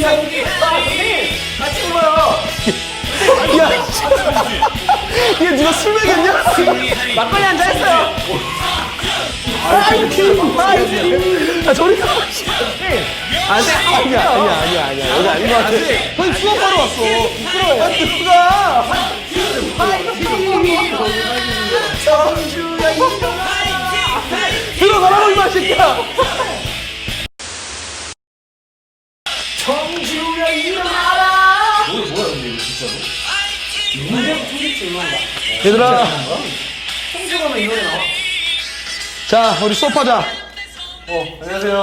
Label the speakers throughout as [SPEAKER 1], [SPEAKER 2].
[SPEAKER 1] 같이 불러요.
[SPEAKER 2] 야, 이게 누가 술 먹였냐?
[SPEAKER 1] 막걸리 한잔 했어요.
[SPEAKER 2] 아, 저리 가.
[SPEAKER 1] 안돼.
[SPEAKER 2] 아니야. 여기 아닌 것 같아. 형님 수업하러 왔어. 부끄러워. 누가? 들어가라고, 이마 새끼야.
[SPEAKER 1] 청주야 일어나라. 뭐야 근데 이거 진짜로? 청주집 유명한가?
[SPEAKER 2] 얘들아.
[SPEAKER 1] 청주 가면 이 노래 나와.
[SPEAKER 2] 자, 우리 수업하자.
[SPEAKER 1] 안녕하세요.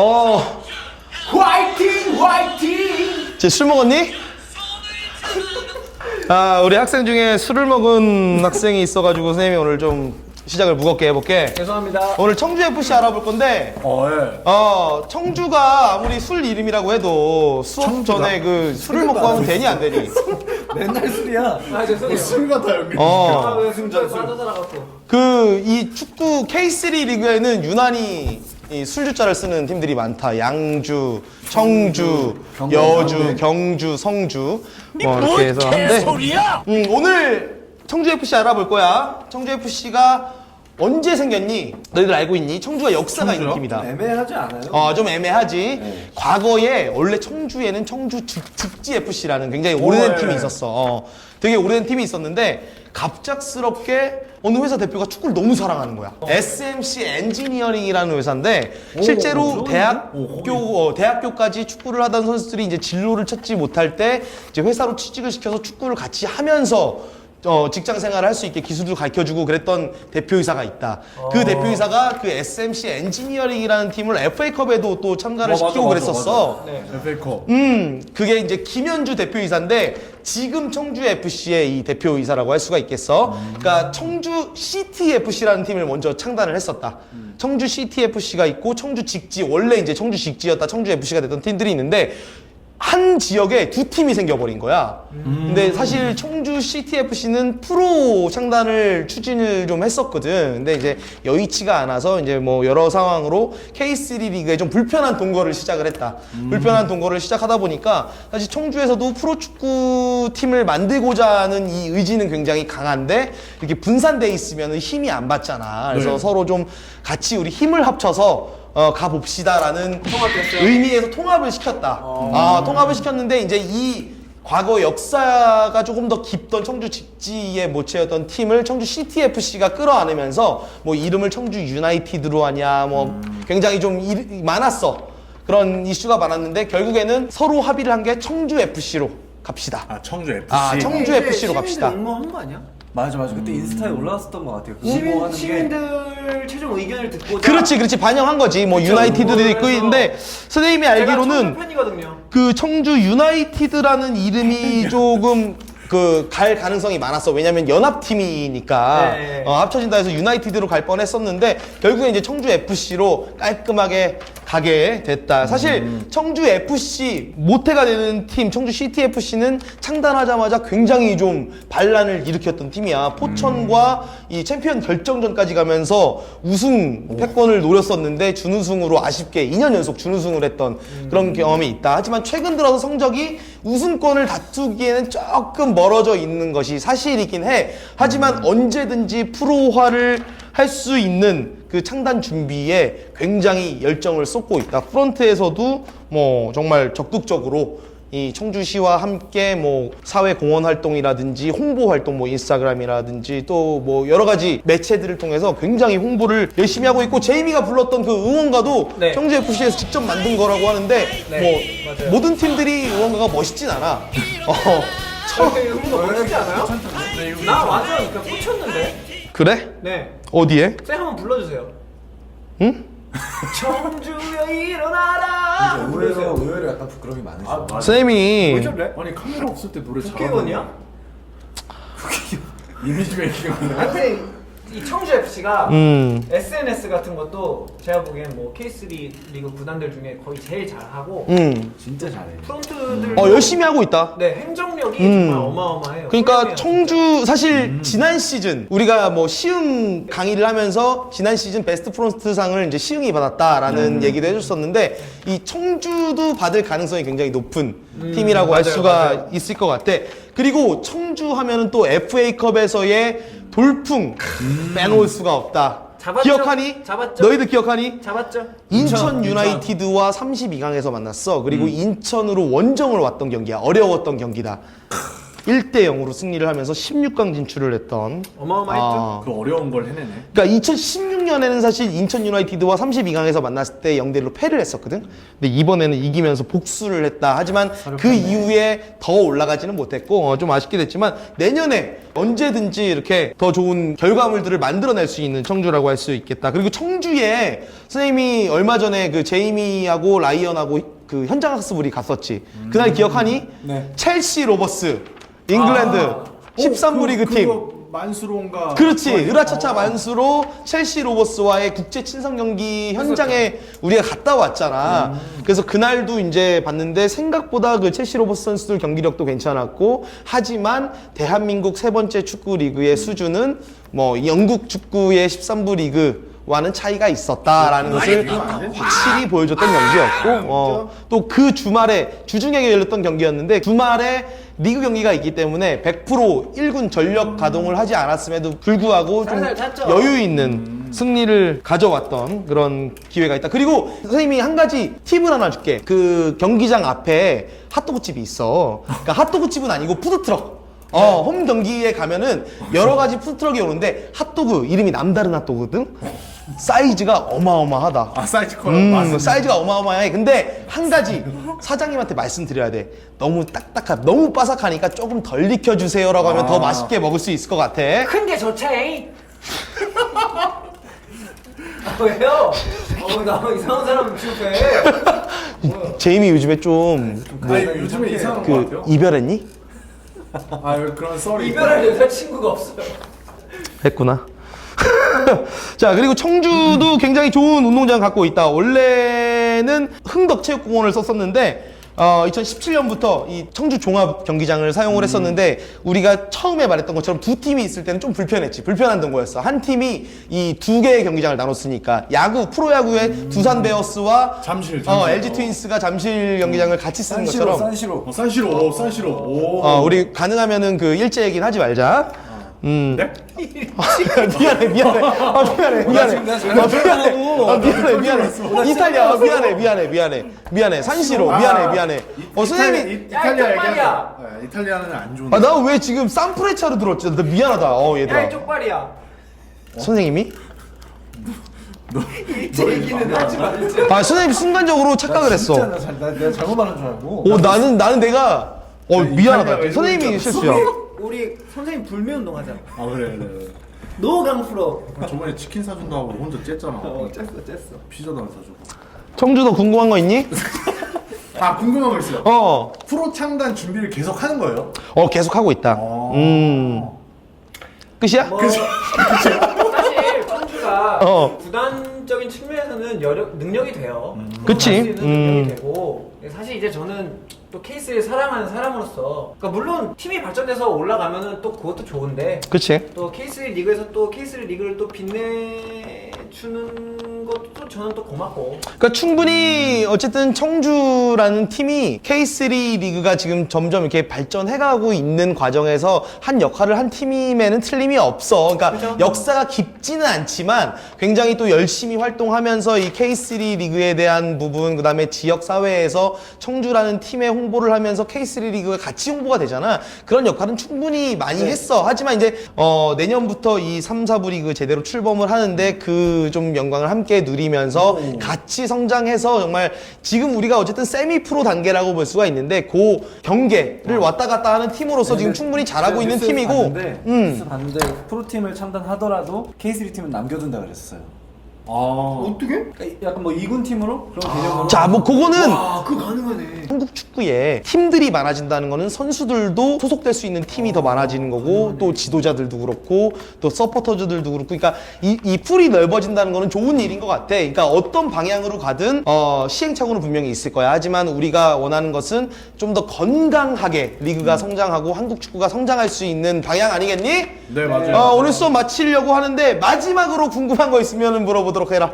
[SPEAKER 1] 화이팅.
[SPEAKER 2] 쟤 술 먹었니? 아, 우리 학생 중에 술을 먹은 학생이 있어가지고 선생님이 오늘 좀 시작을 무겁게 해볼게.
[SPEAKER 1] 죄송합니다.
[SPEAKER 2] 오늘 청주FC 알아볼 건데,
[SPEAKER 1] 예.
[SPEAKER 2] 청주가 아무리 술 이름이라고 해도 수업 전에 그 술을 먹고 하면 되니 안 되니?
[SPEAKER 3] 맨날 술이야.
[SPEAKER 1] 아 죄송해요.
[SPEAKER 3] 술 같아 여기.
[SPEAKER 1] 왜 승전 빠져들어갖고.
[SPEAKER 2] 이 축구 K3 리그에는 유난히 이 술주자를 쓰는 팀들이 많다. 양주, 청주, 여주, 경주, 성주 뭐 이렇게 해서 한데 오늘 청주FC 알아볼 거야. 청주FC가 언제 생겼니? 너희들 알고 있니? 청주가 역사가 있는 팀이다.
[SPEAKER 3] 애매하지 않아요?
[SPEAKER 2] 좀 애매하지. 과거에 원래 청주에는 청주 직지FC라는 굉장히 오래된 팀이 있었어. 되게 오래된 팀이 있었는데 갑작스럽게 어느 회사 대표가 축구를 너무 사랑하는 거야. SMC 엔지니어링이라는 회사인데 실제로 대학교까지 축구를 하던 선수들이 이제 진로를 찾지 못할 때 이제 회사로 취직을 시켜서 축구를 같이 하면서 직장 생활을 할 수 있게 기술도 가르쳐주고 그랬던 대표이사가 있다. 그 대표이사가 그 SMC 엔지니어링이라는 팀을 FA컵에도 또 참가를 시키고 그랬었어.
[SPEAKER 1] 네.
[SPEAKER 3] FA컵.
[SPEAKER 2] 그게 이제 김현주 대표이사인데 지금 청주 FC의 이 대표이사라고 할 수가 있겠어. 그러니까 청주 CTFC라는 팀을 먼저 창단을 했었다. 청주 CTFC가 있고 청주 직지, 원래 이제 청주 직지였다 청주 FC가 됐던 팀들이 있는데 한 지역에 두 팀이 생겨버린 거야. 근데 사실 청주 CTFC는 프로 창단을 추진을 좀 했었거든. 근데 이제 여의치가 않아서 이제 뭐 여러 상황으로 K3 리그에 좀 불편한 동거를 시작을 했다. 불편한 동거를 시작하다 보니까 사실 청주에서도 프로축구 팀을 만들고자 하는 이 의지는 굉장히 강한데 이렇게 분산돼 있으면 힘이 안 받잖아. 그래서 서로 좀 같이 우리 힘을 합쳐서 가봅시다라는 의미에서 통합을 시켰다. 통합을 시켰는데 이제 이 과거 역사가 조금 더 깊던 청주 직지의 모체였던 팀을 청주 CTFC가 끌어안으면서 뭐 이름을 청주 유나이티드로 하냐 뭐 굉장히 좀 많았어. 그런 이슈가 많았는데 결국에는 서로 합의를 한 게 청주 FC로 갑시다.
[SPEAKER 3] 청주 FC.
[SPEAKER 2] 청주 FC로 갑시다.
[SPEAKER 1] 응모한 거 아니야?
[SPEAKER 3] 맞아. 그때 인스타에 올라왔었던 것 같아요.
[SPEAKER 1] 시민들 최종 의견을 듣고.
[SPEAKER 2] 그렇지 반영한 거지. 뭐 유나이티드도 있고 있는데 선생님이 알기로는
[SPEAKER 1] 팬이거든요.
[SPEAKER 2] 그 청주 유나이티드라는 이름이 조금 갈 가능성이 많았어. 왜냐면 연합팀이니까
[SPEAKER 1] 네.
[SPEAKER 2] 합쳐진다 해서 유나이티드로 갈 뻔했었는데 결국에 이제 청주 FC로 깔끔하게 가게 됐다. 사실 청주 FC 모태가 되는 팀 청주 CTFC는 창단하자마자 굉장히 좀 반란을 일으켰던 팀이야. 포천과 이 챔피언 결정전까지 가면서 우승 패권을 노렸었는데 준우승으로 아쉽게 2년 연속 준우승을 했던 그런 경험이 있다. 하지만 최근 들어서 성적이 우승권을 다투기에는 조금 멀어져 있는 것이 사실이긴 해. 하지만 언제든지 프로화를 할 수 있는 그 창단 준비에 굉장히 열정을 쏟고 있다. 프런트에서도 뭐 정말 적극적으로 이 청주시와 함께 뭐 사회 공헌 활동이라든지 홍보 활동, 뭐 인스타그램이라든지 또 뭐 여러 가지 매체들을 통해서 굉장히 홍보를 열심히 하고 있고 제이미가 불렀던 그 응원가도 청주 FC에서 직접 만든 거라고 하는데 뭐
[SPEAKER 1] 맞아요.
[SPEAKER 2] 모든 팀들이 응원가가 멋있진 않아.
[SPEAKER 1] 응모 멋있지 않아요? 나 완전 꽂혔는데.
[SPEAKER 2] 그래?
[SPEAKER 1] 네.
[SPEAKER 2] 어디에?
[SPEAKER 1] 쌤 한번 불러주세요.
[SPEAKER 2] 응?
[SPEAKER 1] 청주야 일어나라.
[SPEAKER 3] 의외로 약간 부끄러움이 많으시죠.
[SPEAKER 2] 쌤이
[SPEAKER 3] 아니 카메라 없을 때 노래 잘하는
[SPEAKER 1] 국회의원이야?
[SPEAKER 3] 이미지 메이킹.
[SPEAKER 1] 아니 이 청주 FC가
[SPEAKER 2] 음.
[SPEAKER 1] SNS 같은 것도 제가 보기엔 뭐 K3 리그 구단들 중에 거의 제일 잘하고
[SPEAKER 3] 진짜 잘해.
[SPEAKER 1] 프론트들
[SPEAKER 2] 열심히 하고 있다.
[SPEAKER 1] 네 행정력이 정말 어마어마해요.
[SPEAKER 2] 그러니까
[SPEAKER 1] 훌륭해요,
[SPEAKER 2] 청주 사실 지난 시즌 우리가 뭐 시흥 강의를 하면서 지난 시즌 베스트 프론트상을 이제 시흥이 받았다라는 얘기도 해줬었는데 이 청주도 받을 가능성이 굉장히 높은 팀이라고 할
[SPEAKER 1] 맞아요,
[SPEAKER 2] 수가
[SPEAKER 1] 맞아요.
[SPEAKER 2] 있을 것 같아. 그리고 청주 하면은 또 FA컵에서의 돌풍 빼놓을 수가 없다.
[SPEAKER 1] 잡았죠?
[SPEAKER 2] 기억하니?
[SPEAKER 1] 잡았죠?
[SPEAKER 2] 너희들 기억하니?
[SPEAKER 1] 잡았죠?
[SPEAKER 2] 인천 유나이티드와 32강에서 만났어. 그리고 인천으로 원정을 왔던 경기야. 어려웠던 경기다. 1대 0으로 승리를 하면서 16강 진출을 했던.
[SPEAKER 1] 어마어마했죠?
[SPEAKER 3] 그 어려운 걸 해내네.
[SPEAKER 2] 그러니까 2016년에는 사실 인천 유나이티드와 32강에서 만났을 때 0대1로 패를 했었거든. 근데 이번에는 이기면서 복수를 했다. 하지만 그 이후에 더 올라가지는 못했고 좀 아쉽게 됐지만 내년에 언제든지 이렇게 더 좋은 결과물들을 만들어낼 수 있는 청주라고 할 수 있겠다. 그리고 청주에 선생님이 얼마 전에 그 제이미하고 라이언하고 그 현장 학습을 갔었지. 그날 기억하니?
[SPEAKER 3] 네.
[SPEAKER 2] 첼시 로버스, 잉글랜드 13부 리그 팀.
[SPEAKER 3] 만수로인가.
[SPEAKER 2] 그렇지. 으라차차 만수로 첼시 로버스와의 국제 친선 경기 현장에 우리가 갔다 왔잖아. 그래서 그날도 이제 봤는데 생각보다 그 첼시 로버스 선수들 경기력도 괜찮았고 하지만 대한민국 세 번째 축구 리그의 수준은 뭐 영국 축구의 13부 리그와는 차이가 있었다라는 것을 확실히 보여줬던 경기였고 또 그 주말에 주중에 열렸던 경기였는데 주말에 리그 경기가 있기 때문에 100% 1군 전력 가동을 하지 않았음에도 불구하고 좀
[SPEAKER 1] 살살 탔죠.
[SPEAKER 2] 여유 있는 승리를 가져왔던 그런 기회가 있다. 그리고 선생님이 한 가지 팁을 하나 줄게. 그 경기장 앞에 핫도그 집이 있어. 그러니까 핫도그 집은 아니고 푸드트럭. 홈 경기에 가면은 여러 가지 푸드트럭이 오는데 핫도그 이름이 남다른 핫도그거든. 사이즈가 어마어마하다.
[SPEAKER 3] 아 사이즈 커요.
[SPEAKER 2] 사이즈가 어마어마해. 근데 한 가지 사장님한테 말씀드려야 돼. 너무 딱딱하, 너무 바삭하니까 조금 덜 익혀주세요라고 하면 더 맛있게 먹을 수 있을 것 같아.
[SPEAKER 1] 큰 게 좋지. 왜요? 나 이상한 사람 취급해.
[SPEAKER 2] 제이미 요즘에 좀
[SPEAKER 3] 요즘에 이상한 거
[SPEAKER 2] 그
[SPEAKER 3] 같아요.
[SPEAKER 2] 이별했니?
[SPEAKER 3] 그런 썰이.
[SPEAKER 1] 이별할 여자친구가 없어요.
[SPEAKER 2] 했구나. 자, 그리고 청주도 굉장히 좋은 운동장 갖고 있다. 원래는 흥덕체육공원을 썼었는데 2017년부터 이 청주 종합 경기장을 사용을 했었는데 우리가 처음에 말했던 것처럼 두 팀이 있을 때는 좀 불편했지. 불편한 동거였어. 한 팀이 이 두 개의 경기장을 나눴으니까 야구, 프로야구의 두산 베어스와
[SPEAKER 3] 잠실.
[SPEAKER 2] LG 트윈스가 잠실 경기장을 같이 쓰는 것처럼
[SPEAKER 3] 산시로. 산시로.
[SPEAKER 2] 우리 가능하면은 그 일제 얘기는 하지 말자.
[SPEAKER 3] 네?
[SPEAKER 2] 미안해. 미안해. 이탈리아. 미안해. 산시로. 미안해. 선생님이.
[SPEAKER 3] 이탈리아
[SPEAKER 1] 야,
[SPEAKER 3] 얘기하자. 이탈리아는 안 좋은데.
[SPEAKER 2] 나 왜 지금 산프레차로 들었지? 나 미안하다.
[SPEAKER 1] 야,
[SPEAKER 2] 얘들아.
[SPEAKER 1] 이쪽 발이야.
[SPEAKER 2] 선생님이?
[SPEAKER 1] 제 얘기는 하지 말자.
[SPEAKER 2] 선생님 순간적으로 착각을 했어.
[SPEAKER 3] 내가 잘못 말한 줄 알고.
[SPEAKER 2] 나는 내가 미안하다.
[SPEAKER 3] 이탈리아
[SPEAKER 2] 선생님이 실수야.
[SPEAKER 1] 우리 선생님 불매 운동 하자.
[SPEAKER 3] 그래.
[SPEAKER 1] 노강 프로.
[SPEAKER 3] 저번에 치킨 사준다 하고 혼자 쨌잖아.
[SPEAKER 1] 쨌어.
[SPEAKER 3] 피자도 안 사주고.
[SPEAKER 2] 청주도 궁금한 거 있니?
[SPEAKER 3] 궁금한 거 있어요.
[SPEAKER 2] 어.
[SPEAKER 3] 프로 창단 준비를 계속 하는 거예요?
[SPEAKER 2] 계속 하고 있다. 끝이야?
[SPEAKER 1] 사실 청주가
[SPEAKER 2] 어.
[SPEAKER 1] 구단적인 측면에서는 능력이 돼요.
[SPEAKER 2] 그치.
[SPEAKER 1] 할수 있는 능력이 되고 사실 이제 저는 또 케이스를 사랑하는 사람으로서 그러니까 물론 팀이 발전돼서 올라가면은 또 그것도 좋은데
[SPEAKER 2] 그치.
[SPEAKER 1] 또 K3 리그에서 또 K3 리그를 또 빛내주는 것도 또 저는 또 고맙고.
[SPEAKER 2] 그러니까 충분히 어쨌든 청주라는 팀이 K3 리그가 지금 점점 이렇게 발전해가고 있는 과정에서 한 역할을 한 팀임에는 틀림이 없어. 그러니까
[SPEAKER 1] 그죠?
[SPEAKER 2] 역사가 깊지는 않지만 굉장히 또 열심히 활동하면서 이 K3 리그에 대한 부분, 그 다음에 지역 사회에서 청주라는 팀의 홍보를 하면서 K3 리그가 같이 홍보가 되잖아. 그런 역할은 충분히 많이 했어. 하지만 이제 내년부터 이 3, 4부 리그 제대로 출범을 하는데 그 좀 영광을 함께 누리면서 같이 성장해서 정말 지금 우리가 어쨌든 세미 프로 단계라고 볼 수가 있는데 그 경계를 왔다 갔다 하는 팀으로서 지금 충분히 잘하고 있는 팀이고
[SPEAKER 4] 뉴스 봤는데 프로팀을 창단하더라도 K3 팀은 남겨둔다 그랬어요.
[SPEAKER 1] 어떻게? 약간 뭐 2군 팀으로 그런 개념으로.
[SPEAKER 2] 자, 뭐 그거는
[SPEAKER 1] 그거 가능하네.
[SPEAKER 2] 한국 축구에 팀들이 많아진다는 거는 선수들도 소속될 수 있는 팀이 더 많아지는 거고 또 지도자들도 그렇고 또 서포터즈들도 그렇고 그러니까 이 풀이 넓어진다는 거는 좋은 일인 것 같아. 그러니까 어떤 방향으로 가든 시행착오는 분명히 있을 거야. 하지만 우리가 원하는 것은 좀 더 건강하게 리그가 성장하고 한국 축구가 성장할 수 있는 방향 아니겠니?
[SPEAKER 3] 네, 맞아요.
[SPEAKER 2] 오늘 수업 마치려고 하는데 마지막으로 궁금한 거 있으면 물어보도록 해라.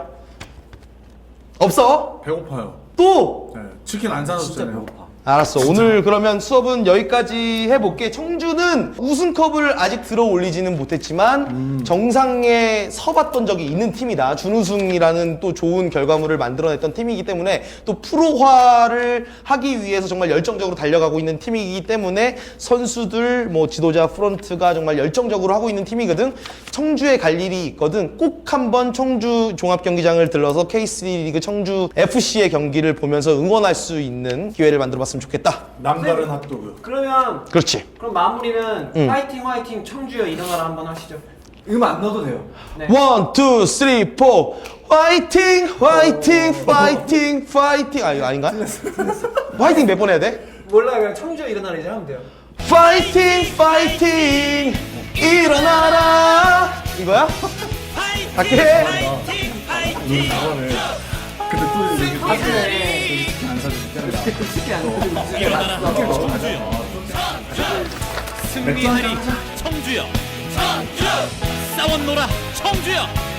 [SPEAKER 2] 없어?
[SPEAKER 3] 배고파요.
[SPEAKER 2] 또?
[SPEAKER 3] 네, 치킨 안
[SPEAKER 1] 진짜
[SPEAKER 3] 사줬잖아요.
[SPEAKER 1] 배고파.
[SPEAKER 2] 알았어. 오늘 그러면 수업은 여기까지 해볼게. 청주는 우승컵을 아직 들어 올리지는 못했지만 정상에 서봤던 적이 있는 팀이다. 준우승이라는 또 좋은 결과물을 만들어냈던 팀이기 때문에 또 프로화를 하기 위해서 정말 열정적으로 달려가고 있는 팀이기 때문에 선수들, 뭐 지도자, 프런트가 정말 열정적으로 하고 있는 팀이거든. 청주에 갈 일이 있거든. 꼭 한번 청주 종합경기장을 들러서 K3리그 청주 FC의 경기를 보면서 응원할 수 있는 기회를 만들어봤으면 좋겠다.
[SPEAKER 3] 남다른 핫도그.
[SPEAKER 1] 그러면
[SPEAKER 2] 그렇지.
[SPEAKER 1] 그럼 마무리는
[SPEAKER 2] 응.
[SPEAKER 1] 화이팅 화이팅 청주여 일어나라 한번 하시죠. 안 넣어도 돼요. 네.
[SPEAKER 2] 1, 2, 3, 4 화이팅 화이팅 파이팅 파이팅 아 이거 아닌가? 화이팅 몇 번 해야 돼?
[SPEAKER 1] 몰라요. 그냥 청주여 일어나라 이제 하면 돼요.
[SPEAKER 2] 파이팅 파이팅 일어나라 이거야? 갈게.
[SPEAKER 3] 눈 나가네. 근데 또 이렇게
[SPEAKER 1] 하시네.
[SPEAKER 3] 치킨 안 사줬잖아요.
[SPEAKER 1] 특히 안 넣어도
[SPEAKER 4] 일어나라 청주여 승리하리 청주여 싸웠노라 청주여